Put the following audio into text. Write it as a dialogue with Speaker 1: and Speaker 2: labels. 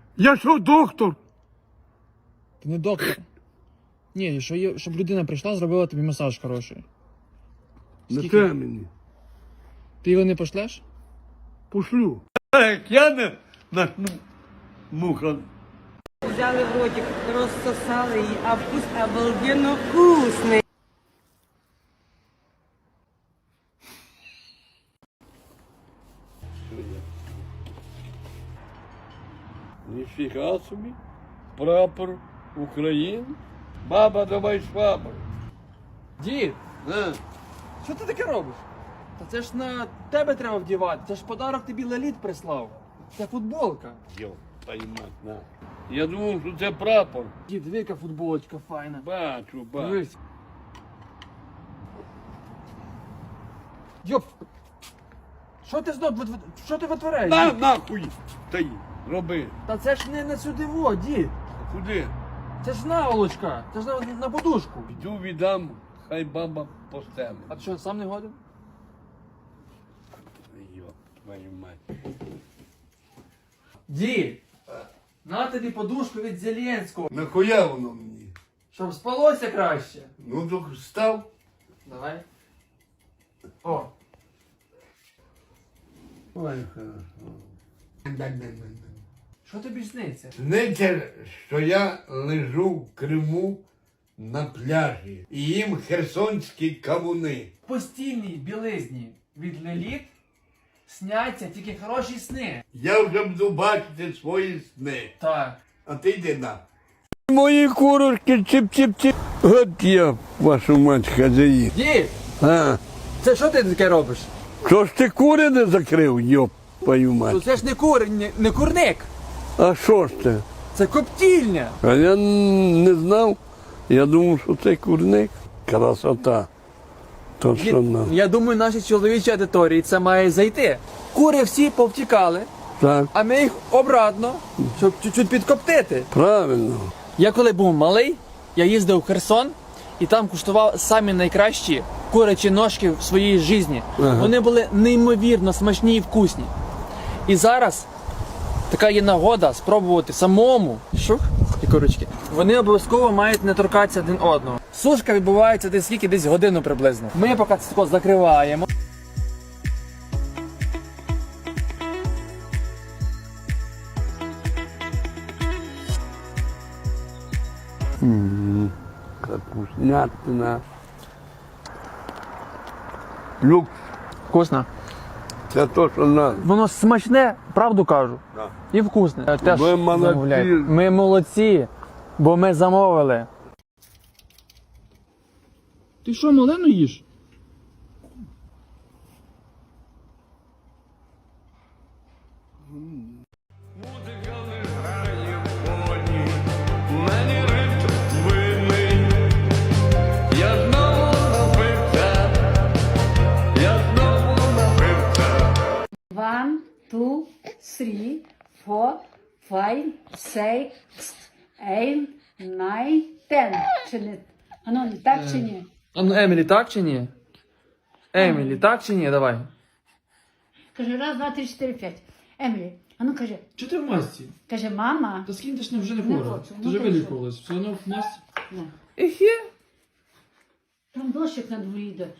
Speaker 1: Я що, доктор?
Speaker 2: Ти не доктор. Ні, щоб людина прийшла, зробила тобі масаж хороший.
Speaker 1: Не те мені.
Speaker 2: Ти його не пошлеш?
Speaker 1: Пошлю. Як я не начну муха.
Speaker 3: Взяли в ротик, розсосали її, а вкус обалденно вкусний.
Speaker 1: Ніфіга собі. Прапор України. Баба, давай швабру.
Speaker 2: Дід,
Speaker 1: На.
Speaker 2: що ти таке робиш? Та це ж на тебе треба вдівати. Це ж подарок тобі Леліт прислав. Це футболка.
Speaker 1: Йо, поймать, на. Я думав, що це прапор.
Speaker 2: Дід, диви, яка футболочка файна.
Speaker 1: Бачу.
Speaker 2: Дивись. Йоп! Що ти витворяєш?
Speaker 1: На,
Speaker 2: дід?
Speaker 1: нахуй. Та роби.
Speaker 2: Та це ж не на сюди во, дід.
Speaker 1: Куди?
Speaker 2: Це ж наволочка. Це ж на подушку.
Speaker 1: Йду віддам, хай баба постелить.
Speaker 2: А ти що, сам не годен?
Speaker 1: Йо, твою мать.
Speaker 2: Дід! На тобі подушку від Зеленського.
Speaker 1: Нахуя воно мені?
Speaker 2: Щоб спалося краще.
Speaker 1: Ну, так став.
Speaker 2: Давай. О.
Speaker 1: Ой, хорошо.
Speaker 2: Що тобі сниться?
Speaker 1: Сниться, що я лежу в Криму на пляжі і їм херсонські кавуни.
Speaker 2: В постільній білизні від Леліт сняться тільки хороші сни.
Speaker 1: Я вже буду бачити свої сни.
Speaker 2: Так.
Speaker 1: А ти йди на. Мої курочки чіп-чіп-чіп. От я, вашу мать, хазяїн.
Speaker 2: Дід!
Speaker 1: А,
Speaker 2: Це що ти таке робиш?
Speaker 1: що ж ти кури не закрив, йоп, твою мать.
Speaker 2: Це ж не курник.
Speaker 1: А що ж це?
Speaker 2: Це коптільня.
Speaker 1: А я не знав. Я думав, що це курник. Красота. То
Speaker 2: Дід,
Speaker 1: що нам.
Speaker 2: я думаю, нашій чоловічій аудиторії це має зайти. Кури всі повтікали,
Speaker 1: Так,
Speaker 2: а ми їх обратно, щоб чуть-чуть підкоптити.
Speaker 1: правильно.
Speaker 2: Я коли був малий, я їздив в Херсон і там куштував самі найкращі курячі ножки в своїй житті.
Speaker 1: Ага.
Speaker 2: Вони були неймовірно смачні і вкусні. І зараз така є нагода спробувати самому. Шух, і курочки. Вони обов'язково мають не торкатися один одного. Сушка відбувається десь скільки? Десь годину приблизно. Ми поки це тако закриваємо.
Speaker 1: Капуснятина. Люкс.
Speaker 2: Вкусно.
Speaker 1: Це то, що надо.
Speaker 2: Воно смачне, правду кажу.
Speaker 1: Да.
Speaker 2: І вкусне. Теж
Speaker 1: Ви молодці.
Speaker 2: замовляйте. Ми молодці, бо ми замовили. Ти що, малину їш?
Speaker 1: Музика не грає в фоні, мені ритм винний. Я знову напився, я знову напився.
Speaker 4: 1, 2, 3, 4, 5, 6, 8, 9, 10. Чи не? Ану, не так чи ні?
Speaker 2: А ну, Емілі, так чи ні? Емілі, так чи ні? Давай.
Speaker 4: Каже, раз, два, три, чотири, п'ять. Емілі, ану каже,
Speaker 2: Чи ти в масці?
Speaker 4: каже, мама.
Speaker 2: Та скинь, ти ж вже не
Speaker 4: Не
Speaker 2: хвора.
Speaker 4: хочу,
Speaker 2: Ти
Speaker 4: ну
Speaker 2: вже
Speaker 4: ти
Speaker 2: вилікувалась. Все одно в масці.
Speaker 4: Не.
Speaker 2: Ехе.
Speaker 4: Там дощик на дворі йде.